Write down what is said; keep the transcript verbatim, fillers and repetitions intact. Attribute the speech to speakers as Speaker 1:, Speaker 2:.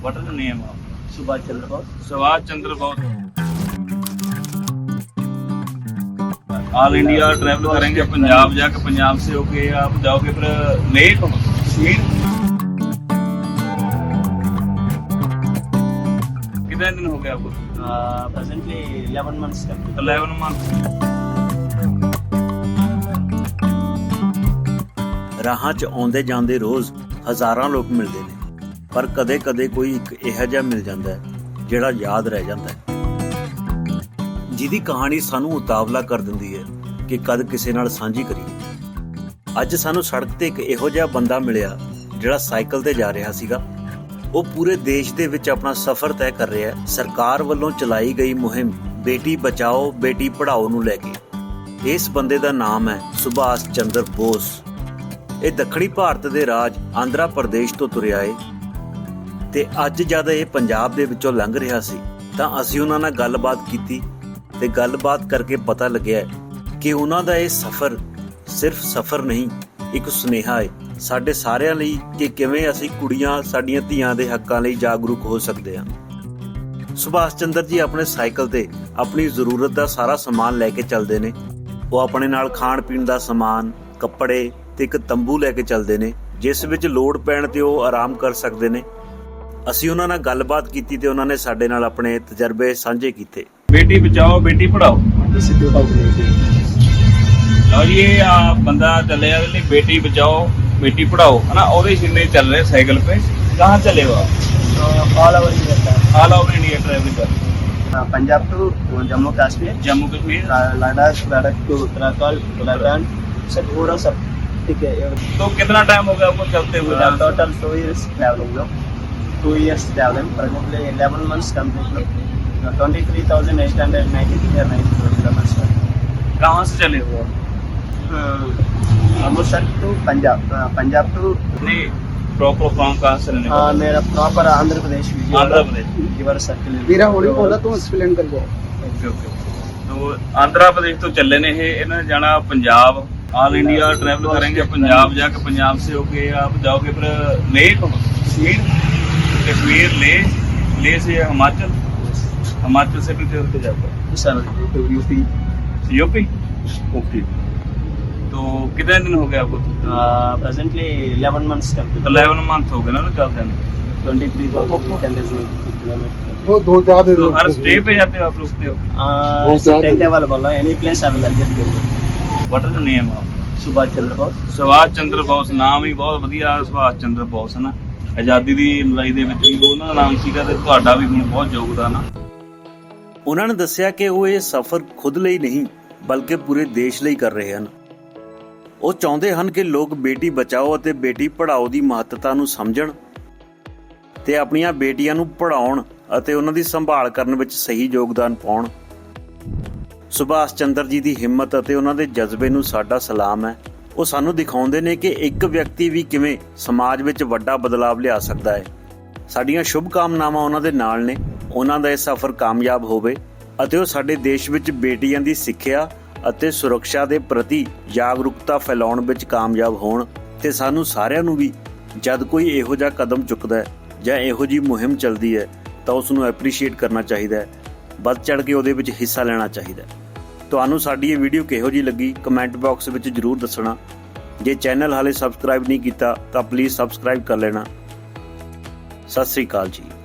Speaker 1: What is the name of?
Speaker 2: Subhash Chandra Bose.
Speaker 1: Subhash Chandra Bose. All India travel करेंगे, पंजाब जाके पंजाब से होके आप जाओगे फिर लेह कश्मीर। कितने दिन हो गए आपको?
Speaker 2: Uh, presently eleven months complete.
Speaker 1: Eleven month.
Speaker 3: ਰਾਹਾਂ 'ਚ ਆਉਂਦੇ ਜਾਂਦੇ ਰੋਜ਼ ਹਜ਼ਾਰਾਂ ਲੋਕ ਮਿਲਦੇ ਨੇ, ਪਰ ਕਦੇ-ਕਦੇ ਕੋਈ ਇੱਕ ਇਹੋ ਜਿਹਾ ਮਿਲ ਜਾਂਦਾ ਹੈ ਜਿਹੜਾ ਯਾਦ ਰਹਿ ਜਾਂਦਾ ਹੈ, ਜਿਹਦੀ ਕਹਾਣੀ ਸਾਨੂੰ ਉਤਾਵਲਾ ਕਰ ਦਿੰਦੀ ਹੈ ਕਿ ਕਦ ਕਿਸੇ ਨਾਲ ਸਾਂਝੀ ਕਰੀਏ। ਅੱਜ ਸਾਨੂੰ ਸੜਕ ਤੇ ਇੱਕ ਇਹੋ ਜਿਹਾ ਬੰਦਾ ਮਿਲਿਆ ਜਿਹੜਾ ਸਾਈਕਲ ਤੇ ਜਾ ਰਿਹਾ ਸੀਗਾ। ਉਹ ਪੂਰੇ ਦੇਸ਼ ਦੇ ਵਿੱਚ ਆਪਣਾ ਸਫ਼ਰ ਤੈਅ ਕਰ ਰਿਹਾ ਹੈ ਸਰਕਾਰ ਵੱਲੋਂ ਚਲਾਈ ਗਈ ਮੁਹਿੰਮ ਬੇਟੀ ਬਚਾਓ ਬੇਟੀ ਪੜ੍ਹਾਓ ਨੂੰ ਲੈ ਕੇ। ਇਸ ਬੰਦੇ ਦਾ ਨਾਮ ਹੈ ਸੁਭਾਸ਼ ਚੰਦਰ ਬੋਸ। ਇਹ ਦੱਖਣੀ ਭਾਰਤ ਦੇ ਰਾਜ ਆਂਧਰਾ ਪ੍ਰਦੇਸ਼ ਤੋਂ ਤੁਰਿਆ ਏ ਤੇ ਅੱਜ ਜਦ ਇਹ ਪੰਜਾਬ ਦੇ ਵਿੱਚੋਂ ਲੰਘ ਰਿਹਾ ਸੀ ਤਾਂ ਅਸੀਂ ਉਹਨਾਂ ਨਾਲ ਗੱਲਬਾਤ ਕੀਤੀ ਤੇ ਗੱਲਬਾਤ ਕਰਕੇ ਪਤਾ ਲੱਗਿਆ ਕਿ ਉਹਨਾਂ ਦਾ ਇਹ ਸਫ਼ਰ ਸਿਰਫ ਸਫ਼ਰ ਨਹੀਂ, ਇੱਕ ਸੁਨੇਹਾ ਹੈ ਸਾਡੇ ਸਾਰਿਆਂ ਲਈ ਕਿ ਕਿਵੇਂ ਅਸੀਂ ਕੁੜੀਆਂ ਸਾਡੀਆਂ ਧੀਆਂ ਦੇ ਹੱਕਾਂ ਲਈ ਜਾਗਰੂਕ ਹੋ ਸਕਦੇ ਹਾਂ। ਸੁਭਾਸ਼ ਚੰਦਰ ਜੀ ਆਪਣੇ ਸਾਈਕਲ ਤੇ ਆਪਣੀ ਜ਼ਰੂਰਤ ਦਾ ਸਾਰਾ ਸਮਾਨ ਲੈ ਕੇ ਚੱਲਦੇ ਨੇ। ਉਹ ਆਪਣੇ ਨਾਲ ਖਾਣ ਪੀਣ ਦਾ ਸਮਾਨ, ਕੱਪੜੇ ਤੇ ਇੱਕ ਤੰਬੂ ਲੈ ਕੇ ਚੱਲਦੇ ਨੇ ਜਿਸ ਵਿੱਚ ਲੋੜ ਪੈਣ ਤੇ ਉਹ ਆਰਾਮ ਕਰ ਸਕਦੇ ਨੇ। ਅਸੀਂ ਉਹਨਾਂ ਨਾਲ ਗੱਲਬਾਤ ਕੀਤੀ ਤੇ ਉਹਨਾਂ ਨੇ ਸਾਡੇ ਨਾਲ ਆਪਣੇ ਤਜਰਬੇ ਸਾਂਝੇ ਕੀਤੇ।
Speaker 1: बेटी बचाओ बेटी पढ़ाओ।
Speaker 2: This is two thousand eighteen.
Speaker 1: ਲਓ ਜੀ ਇਹ ਆ ਬੰਦਾ ਚੱਲਿਆ ਉਹਦੇ ਲਈ ਬੇਟੀ ਬਚਾਓ बेटी पढ़ाओ है ना, और सिन्ने चल रहे साइकिल पे। कहाँ चले हो आप?
Speaker 2: So all over India, sir.
Speaker 1: All over India travelling कर।
Speaker 2: Uh, Punjab to Jammu Kashmir,
Speaker 1: Jammu Kashmir.
Speaker 2: La- Ladakh, Ladakh to Uttarakhand, Uttarakhand, सब पूरा सब ठीक है।
Speaker 1: तो कितना टाइम हो गया आपको चलते हुए?
Speaker 2: Uh, total two years traveling, no? Two years traveling. Presently eleven months complete, no? Uh, Twenty-three thousand eight hundred ninety-three or ninety-four kilometers.
Speaker 1: कहाँ से चले हो आप?
Speaker 2: Uh, Amritsar to Punjab, uh, Punjab to
Speaker 1: नहीं प्रॉपर फॉर्म कहाँ से लेने
Speaker 2: uh, मेरा proper Andhra Pradesh
Speaker 1: Andhra Pradesh.
Speaker 2: River circle.
Speaker 4: ਵੀਰਾ ਹੌਲੀ ਬੋਲਾ ਤੂੰ ਐਕਸਪਲੇਨ ਕਰ ਜਾ।
Speaker 1: Okay okay. तो आंध्र प्रदेश तो चले ने ये इन्होंने जाना पंजाब। ऑल इंडिया ट्रैवल करेंगे, पंजाब जाके पंजाब से होके आप जाओगे फिर लेह कश्मीर, कश्मीर लेह, लेह से हिमाचल, हिमाचल से भी फिर होके जाओगे
Speaker 2: सर यूपी।
Speaker 1: यूपी। ओके। तो कितने दिन हो गए आपको?
Speaker 2: Presently eleven months complete.
Speaker 1: Eleven month हो गए ना चलते हैं।
Speaker 2: twenty-three thousand kilometers.
Speaker 4: ਉਹ ਦੋ ਚਾਰ ਦੇ
Speaker 1: तो हर स्टे पे जाते हो आप, रुकते हो?
Speaker 2: Uh, tent available, no? Any place available.
Speaker 1: What is the name of?
Speaker 2: Subhash Chandra Bose.
Speaker 1: Subhash Chandra Bose. ਨਾਮ ਹੀ ਬਹੁਤ ਵਧੀਆ ਸੁਭਾਸ਼ ਚੰਦਰ ਬੋਸ ਹੈ ਨਾ। ਆਜ਼ਾਦੀ ਦੀ ਲੜਾਈ ਦੇ ਵਿੱਚ ਵੀ ਉਹਨਾਂ ਦਾ ਨਾਮ ਸੀਗਾ ਤੇ ਤੁਹਾਡਾ ਵੀ ਹੁਣ ਬਹੁਤ ਯੋਗਦਾਨ ਆ।
Speaker 3: ਉਹਨਾਂ ਨੇ ਦੱਸਿਆ ਕਿ ਉਹ ਇਹ ਸਫ਼ਰ ਖੁਦ ਲਈ ਨਹੀਂ ਬਲਕਿ ਪੂਰੇ ਦੇਸ਼ ਲਈ ਕਰ ਰਹੇ ਹਨ। ਉਹ ਚਾਹੁੰਦੇ ਹਨ ਕਿ ਲੋਕ ਬੇਟੀ ਬਚਾਓ ਅਤੇ ਬੇਟੀ ਪੜ੍ਹਾਓ ਦੀ ਮਹੱਤਤਾ ਨੂੰ ਸਮਝਣ ਤੇ ਆਪਣੀਆਂ ਬੇਟੀਆਂ ਨੂੰ ਪੜ੍ਹਾਉਣ ਅਤੇ ਉਹਨਾਂ ਦੀ ਸੰਭਾਲ ਕਰਨ ਵਿੱਚ ਸਹੀ ਯੋਗਦਾਨ ਪਾਉਣ। ਸੁਭਾਸ਼ ਚੰਦਰ ਜੀ ਦੀ ਹਿੰਮਤ ਅਤੇ ਉਹਨਾਂ ਦੇ ਜਜ਼ਬੇ ਨੂੰ ਸਾਡਾ ਸਲਾਮ ਹੈ। ਉਹ ਸਾਨੂੰ ਦਿਖਾਉਂਦੇ ਨੇ ਕਿ ਇੱਕ ਵਿਅਕਤੀ ਵੀ ਕਿਵੇਂ ਸਮਾਜ ਵਿੱਚ ਵੱਡਾ ਬਦਲਾਵ ਲਿਆ ਸਕਦਾ ਹੈ। ਸਾਡੀਆਂ ਸ਼ੁਭ ਕਾਮਨਾਵਾਂ ਉਹਨਾਂ ਦੇ ਨਾਲ ਨੇ। ਉਹਨਾਂ ਦਾ ਇਹ ਸਫ਼ਰ ਕਾਮਯਾਬ ਹੋਵੇ ਅਤੇ ਉਹ ਸਾਡੇ ਦੇਸ਼ ਵਿੱਚ ਬੇਟੀਆਂ ਦੀ ਸਿੱਖਿਆ ਅਤੇ ਸੁਰੱਖਿਆ ਦੇ ਪ੍ਰਤੀ ਜਾਗਰੂਕਤਾ ਫੈਲਾਉਣ ਵਿੱਚ ਕਾਮਯਾਬ ਹੋਣ। ਤੇ ਸਾਨੂੰ ਸਾਰਿਆਂ ਨੂੰ ਵੀ ਜਦ ਕੋਈ ਇਹੋ ਜਿਹਾ ਕਦਮ ਚੁੱਕਦਾ ਹੈ ਜਾਂ ਇਹੋ ਜਿਹੀ ਮੁਹਿੰਮ ਚੱਲਦੀ ਹੈ ਤਾਂ ਉਸ ਨੂੰ ਐਪਰੀਸ਼ੀਏਟ ਕਰਨਾ ਚਾਹੀਦਾ ਹੈ, ਵੱਧ ਚੜ੍ਹ ਕੇ ਉਹਦੇ ਵਿੱਚ ਹਿੱਸਾ ਲੈਣਾ ਚਾਹੀਦਾ ਹੈ। ਤੁਹਾਨੂੰ ਸਾਡੀ ਇਹ ਵੀਡੀਓ ਕਿਹੋ ਜਿਹੀ ਲੱਗੀ ਕਮੈਂਟ ਬਾਕਸ ਵਿੱਚ ਜ਼ਰੂਰ ਦੱਸਣਾ। ਜੇ ਚੈਨਲ ਹਾਲੇ ਸਬਸਕ੍ਰਾਈਬ ਨਹੀਂ ਕੀਤਾ ਤਾਂ ਪਲੀਜ਼ ਸਬਸਕ੍ਰਾਈਬ ਕਰ ਲੈਣਾ। ਸਤਿ ਸ੍ਰੀ ਅਕਾਲ ਜੀ।